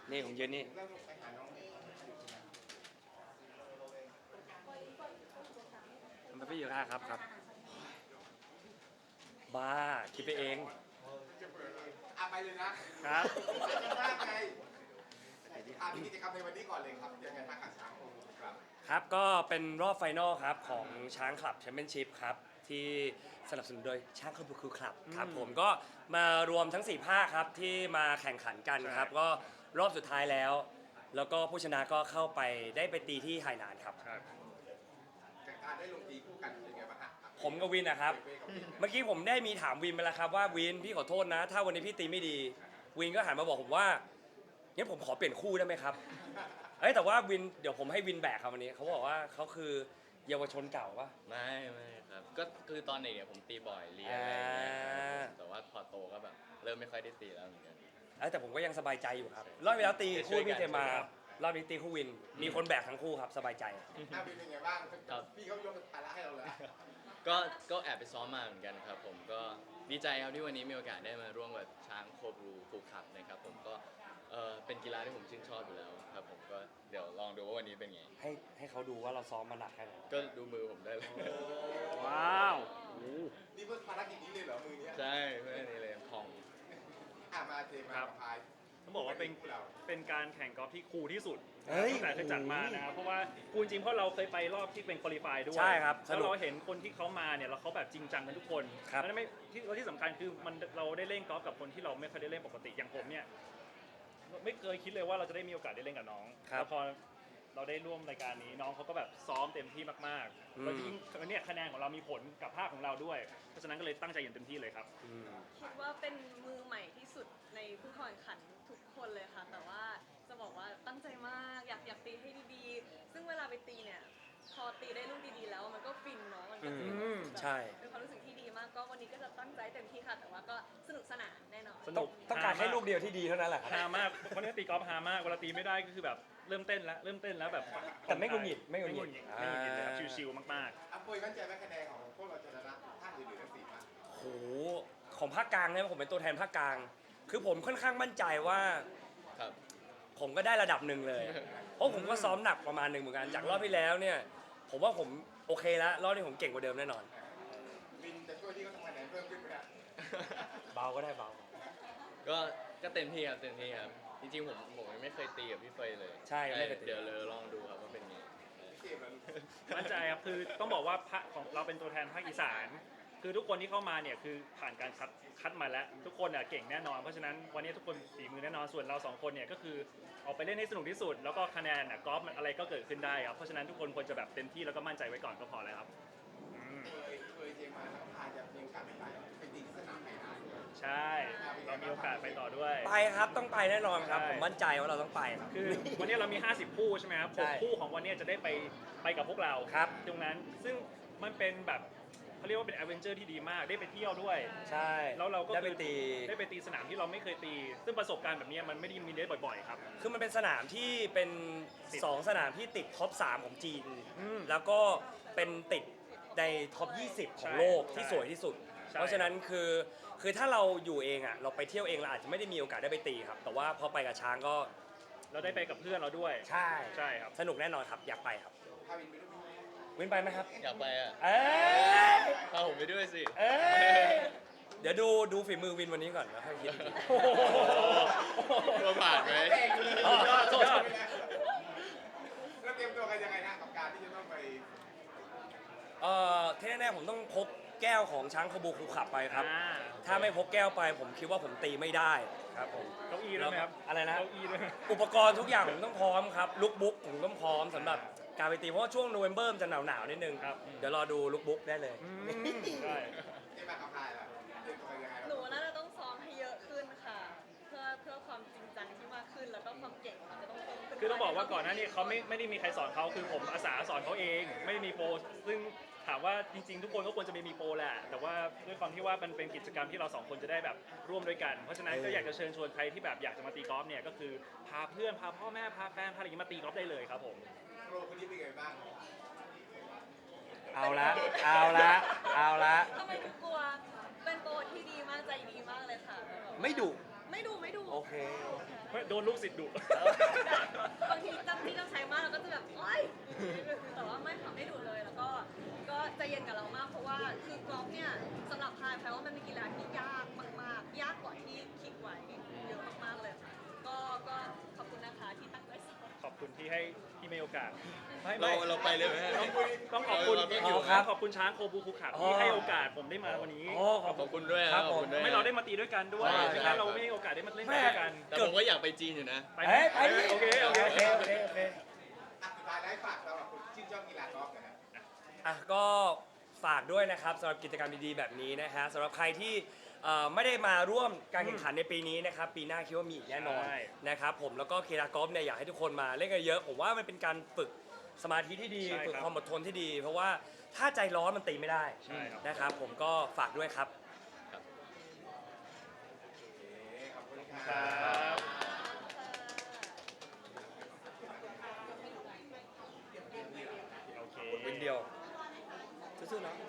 นี่ผมยืนนี่มันไม่อยู่ครับครับบ้าคิดไปเองไปเลยนะครับจะมากไงมีกิจกรรมในวันนี้ก่อนเลยครับยังไงบ้างกับช้างครับครับก็เป็นรอบไฟนอลครับของช้างคลับแชมเปี้ยนชิพครับที่สนับสนุนโดยช้างคลับคูคลับครับผมก็มารวมทั้ง4ภาคครับที่มาแข่งขันกันครับก็รอบสุดท้ายแล้วก็ผู้ชนะก็เข้าไปได้ไปตีที่ไหหนานครับการได้ลงตีคู่กันเป็นไงบ้างฮะผมกับวินนะครับเมื่อกี้ผมได้มีถามวินไปแล้วครับว่าวินพี่ขอโทษนะถ้าวันนี้พี่ตีไม่ดีวินก็หันมาบอกผมว่างั้นผมขอเปลี่ยนคู่ได้ไหมครับแต่ว่าวินเดี๋ยวผมให้วินแบกครับวันนี้เขาบอกว่าเขาคือเยาวชนเก่าปะไม่ครับก็คือตอนเด็กเนี่ยผมตีบ่อยเรียนอะไรอย่างเงี้ยแต่ว่าพอโตก็แบบเริ่มไม่ค่อยได้ตีแล้วเหมือนกันแต่ผมก็ยังสบายใจอยู่ครับรอบที่แล้วตีคู่พี่เทมารอบนี้ตีคู่วินมีคนแบกทั้งคู่ครับสบายใจวินเป็นไงบ้างพี่เขายกภาระให้เราเลยก็แอบไปซ้อมมาเหมือนกันครับผมก็ดีใจครับที่วันนี้มีโอกาสได้มาร่วมกับช้างโคบรูฟูคัพนะครับผมก็เป็นกีฬาที่ผมชื่นชอบอยู่แล้วครับผมก็เดี๋ยวลองดูว่าวันนี้เป็นไงให้เขาดูว่าเราซ้อมมาหนักแค่ไหนก็ดูมือผมได้เลยว้าวนี่เพื่อภารกิจนี้เลยเหรอมือนี้ใช่เพื่อนี่เลยของมาเทมาพายต้องบอกว่าเป็นการแข่งกอล์ฟที่คูลที่สุดตั้งแต่เคยจัดมานะครับเพราะว่าคูลจริงเพราะเราเคยไปรอบที่เป็นควอลิฟายด้วยใช่ครับแล้วเราเห็นคนที่เขามาเนี่ยเราเขาแบบจริงจังกันทุกคนแล้วไม่ที่สำคัญคือเราได้เล่นกอล์ฟกับคนที่เราไม่เคยได้เล่นปกติอย่างผมเนี่ยไม่เคยคิดเลยว่าเราจะได้มีโอกาสได้เล่นกับน้องแล้วพอเราได้ร่วมรายการนี้น้องเขาก็แบบซ้อมเต็มที่มากๆแล้วยิ่งเนี่ยคะแนนของเรามีผลกับภาคของเราด้วยเพราะฉะนั้นก็เลยตั้งใจอย่างเต็มที่เลยครับคิดว่าเป็นมือใหม่ที่สุดในผู้แข่งขันทุกคนเลยค่ะแต่ว่าจะบอกว่าตั้งใจมากอยากตีให้ดีๆซึ่งเวลาไปตีเนี่ยพอตีได้ลูกดีๆแล้วมันก็ฟินเนาะมันก็ใช่เป็นความรู้สึกที่ดีมากก็วันนี้ก็จะตั้งใจเต็มที่ค่ะแต่ว่าก็สนุกสนานแน่นอนต้องการแค่ลูกเดียวที่ดีเท่านั้นแหละฮามากคนนี้ตีกอล์ฟฮามากเวลาตีไม่ได้ก็คือแบบเริ่มเต้นแล้วแบบแต่ไม่งุนหงิดไม่งุนหงิดเลยครับชิวๆมากๆปุ้ยมั่นใจไหมคะแนนของพวกเราจะชนะภาคอื่นๆทั้ง4ภาคโหของภาคกลางเนี่ยผมเป็นตัวแทนภาคกลางคือผมค่อนข้างมั่นใจว่าผมก็ได้ระดับหนึ่งเลยเพราะผมก็ซ้อมหนักประมาณหนึ่งเหมือนกันจากรอบที่แล้วเนี่ยผมว่าผมโอเคแล้วรอบนี้ผมเก่งกว่าเดิมแน่นอนวินจะช่วยที่เขาทำคะแนนเพิ่มขึ้นไหมครับเบาก็ได้เบาก็เต็มที่ครับจริงๆผมยังไม่เคยตีกับพี่เฟยเลยใช่เดี๋ยวเลยลองดูครับว่าเป็นไงมั่นใจครับคือต้องบอกว่าของเราเป็นตัวแทนภาคอีสานคือทุกคนที่เข้ามาเนี่ยคือผ่านการคัดมาแล้วทุกคนเก่งแน่นอนเพราะฉะนั้นวันนี้ทุกคนฝีมือแน่นอนส่วนเรา2คนเนี่ยก็คือออกไปเล่นให้สนุกที่สุดแล้วก็คะแนนกอล์ฟอะไรก็เกิดขึ้นได้ครับเพราะฉะนั้นทุกคนควรจะแบบเต็มที่แล้วก็มั่นใจไว้ก่อนก็พอแล้วครับเคยเจมาแล้วพาจะมีโอกาสไปตีที่สนามไหนใช่เรามีโอกาสไปต่อด้วยไปครับต้องไปแน่นอนครับผมมั่นใจว่าเราต้องไปคือวันนี้เรามี50คู่ใช่ไหมครับ6คู่ของวันนี้จะได้ไปกับพวกเราตรงนั้นซึ่งมันเป็นแบบเขาเรียกว่าเป็นแอดเวนเจอร์ที่ดีมากได้ไปเที่ยวด้วยใช่แล้วเราก็ได้ไปตีสนามที่เราไม่เคยตีซึ่งประสบการณ์แบบนี้มันไม่ได้มีได้บ่อยๆครับคือมันเป็นสนามที่เป็น2สนามที่ติดท็อป3ของจีนแล้วก็เป็นติดในท็อป20ของโลกที่สวยที่สุดเพราะฉะนั้นคือถ้าเราอยู่เองเราไปเที่ยวเองเราอาจจะไม่ได้มีโอกาสได้ไปตีครับแต่ว่าพอไปกับช้างก็เราได้ไปกับเพื่อนเราด้วยใช่ครับสนุกแน่นอนครับอยากไปครับวินไปไหมครับอยากไปพาผมไปด้วยสิเดี๋ยวดูฝีมือวินวันนี้ก่อนแล้วค่อยคิดเราผ่านไหมแล้วเตรียมตัวกันยังไงนะกับการที่จะต้องไปที่แน่ๆผมต้องพกแก้วของช้างคบูคูขับไปครับถ้าไม่พกแก้วไปผมคิดว่าผมตีไม่ได้ครับผมเก้าอี้ด้วยไหมครับอะไรนะเก้าอี้ด้วยอุปกรณ์ทุกอย่างผมต้องพร้อมครับลุคบุ๊กผมต้องพร้อมสำหรับการไปตีเพราะว่าช่วงโนเวมเบอร์จะหนาวนิดนึงเดี๋ยวรอดูลุคบุ๊กได้เลยใช่ที่มากับใครล่ะหนูน่าจะต้องซ้อมให้เยอะขึ้นค่ะเพื่อความจริงจังที่มากขึ้นแล้วก็ความเก่งมันจะต้องเพิ่มขึ้นคือต้องบอกว่าก่อนหน้านี้เขาไม่ได้มีใครสอนเขาคือผมอาสาสอนเขาเองไม่ได้มีโปรซึ่งถามว่าจริงๆทุกคนก็ควรจะมีโปรแหละแต่ว่าด้วยความที่ว่ามันเป็นกิจกรรมที่เรา2คนจะได้แบบร่วมด้วยกันเพราะฉะนั้นก็อยากจะเชิญชวนใครที่แบบอยากจะมาตีกอล์ฟเนี่ยก็คือพาเพื่อนพาพ่อแม่พาแฟนพาอะไรอย่างนี้มาตีกอล์ฟได้เลยครับผมโปรคนนี้เป็นไงบ้างเอาละทำไมถึงกลัวเป็นโปรที่ดีมากใจดีมากเลยค่ะไม่ดุไม่ไม่ดูไม่ดูโอเคไม่โดนลูกศิษย์ดุบางทีจำที่ต้องใช้มากเราก็จะแบบโอ๊ยแต่ว่าไม่ค่ะไม่ดูเลยแล้วก็ใจเย็นกับเรามากเพราะว่าคือกอล์ฟเนี่ยสำหรับพายแปลว่ามันเป็นกีฬาที่ยากมากๆ ยากกว่าที่คิดไว้เยอะมากๆเลยค่ะก็ขอบคุณนะคะที่ตั้งใจสอนขอบคุณที่ให้ที่มีโอกาสเราไปเลยไหมฮะต้องขอบคุณเราต้องอยู่ครับขอบคุณช้างโคบูคุขับอ๋อที่ให้โอกาสผมได้มาวันนี้อ๋อขอบขอบคุณด้วยครับขอบคุณด้วยไม่เราได้มาตีด้วยกันด้วยใช่ไม่ครังั้บนเราไม่มีโอกาสได้มาเล่นด้วยกันแต่ผมก็อยากไปจีนอยู่นะไปไหมเอ้ยไปดิโอเคโอเคโอเคโอเคโอเคอ่ะสุดท้ายแล้วให้ฝากสำหรับคนที่ชื่นชอบกีฬากอล์ฟนะฮะอ่ะก็ฝากด้วยนะครับสำหรับกิจกรรมดีๆแบบนี้นะฮะสำหรับใครที่ไม่ได้มาร่วมการแข่งขันในปีนี้นะครับปีหน้าคิดว่ามีอีกแน่นอนใช่นะครับผมแล้วก็กีฬากอล์ฟเนี่ยอยากให้ทุกคนมาเล่นกันเยอะผมว่ามันเป็นการฝึกสมาธิที่ดีใช่ครับฝึกความอดทนที่ดี เพราะว่าถ้าใจร้อนมันตีไม่ได้ใช่ครับนะครับผมก็ฝากด้วยครับขอบคุณคครัรับ บ โอเควินเดียวสู้ๆเนาะ